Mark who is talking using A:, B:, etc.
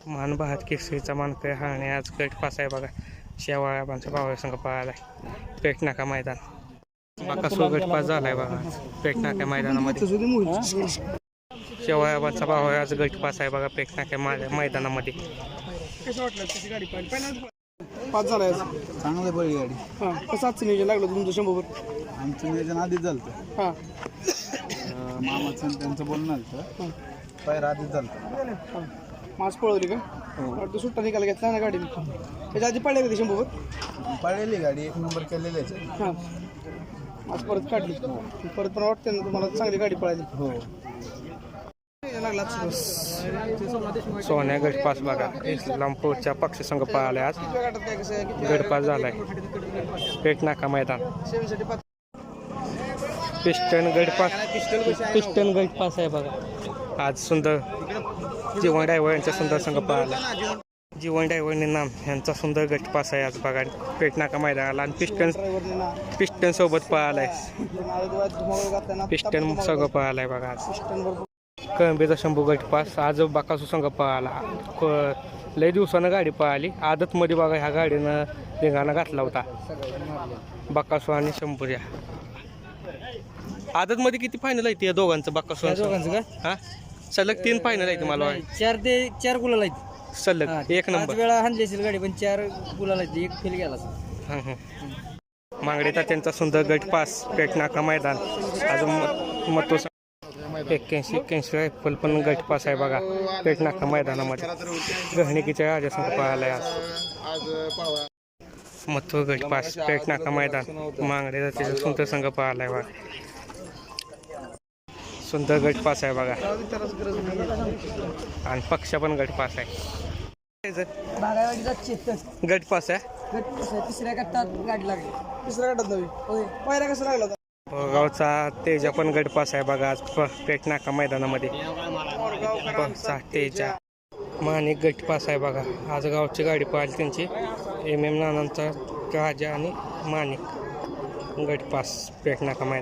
A: मान बहात केसरीचा मानकरी हा आणि आज गट पास आहे बघा. शेवाळ्याबांचा भावा संघ पळालाय पेट नाका मैदान. बाकासूर गट पास झालाय बघा पेट नाका मैदानामध्ये. शेवाळ्याबांचा भाव आज गट पास आहे बघा पेट नाका मैदानामध्ये.
B: कसं वाटलं त्याची गाडी पाहिजे पाच झालाय
C: चांगलं बळी गाडी.
B: हां कसं आजचं नियोजन लागलं तुमचं 100?
C: आमचं नियोजन आधीच झालं.
B: हां
C: मामाचं त्यांचं बोलणं झालं पायरा आधीच झालं.
B: हां मास पळवली का? वाटतं सुट्टा निकाल घेतला ना गाडीने. त्याच्या आधी पडले का ते 100?
C: पळलेली गाडी 1 नंबर केलेली आहे.
B: हां आज परत काढली परत पण वाटतं ना तुम्हाला चांगली गाडी पळाली.
C: हो
B: लागला
A: सोन्या गट पास बघा इस्लामपूरच्या पक्ष संघ पळालाय आज.
B: काय कसं
A: गट पास झालाय पेट नाका मैदान. पिस्टन गट पास आहे बघा आज. सुंदर जीवन डायव्हर यांचा सुंदर संघ पळाला. जीवन डायव्हरने नाम यांचा सुंदर गट पास आहे आज बघा पेट नाका मैदानाला. आणि पिस्टन सोबत पळालाय. पिस्टन संघ पळालाय बघा आज. कळंबीचा शंभू गट पास आज बाकासू संघ पळाला. लय दिवसानं गाडी पळाली. आदतमध्ये बघा ह्या गाडीनं रिंगाणा घातला होता बाकासू आणि शंभूच्या. आदतमध्ये किती फायनल आहे ते दोघांचं बाकासू
B: दोघांचं का?
A: हा सलग 3 फायनल आहे मला
B: 4 गुलाल आहेत
A: सलग 1 नंबर.
B: वेळा हाणली असेल गाडी पण 4 गुलाल आहेत. 1 फेल गेला.
A: मांगडेचा त्यांचा सुंदर गट पास पेट नाका मैदान. अजून मतो 81 रायफल पण गट पास आहे बघा पेट नाका मैदानामध्ये. गहणिकीच्या राजासंघ पळालाय आज. मथुर गट पास पेट नाका मैदान. मांगडेचा त्याचा सुंदर संघ पळालाय बघा. सुंदर गट पास आहे बघा. आणि पक्ष पण गट पास आहे. गट पास आहे.
B: तिसऱ्या गटात गाडी लागली. तिसऱ्या गटात नवी पहिला कसं लागला होता?
A: गावचा तेजा पण गट पास आहे बघा आज पेट नाका मैदानामध्ये. तेजा माणिक गट पास आहे बघा आज. गावची गाडी पाहिली त्यांची MM नानांचा राजा आणि माणिक गट पास पेट नाका मैदान.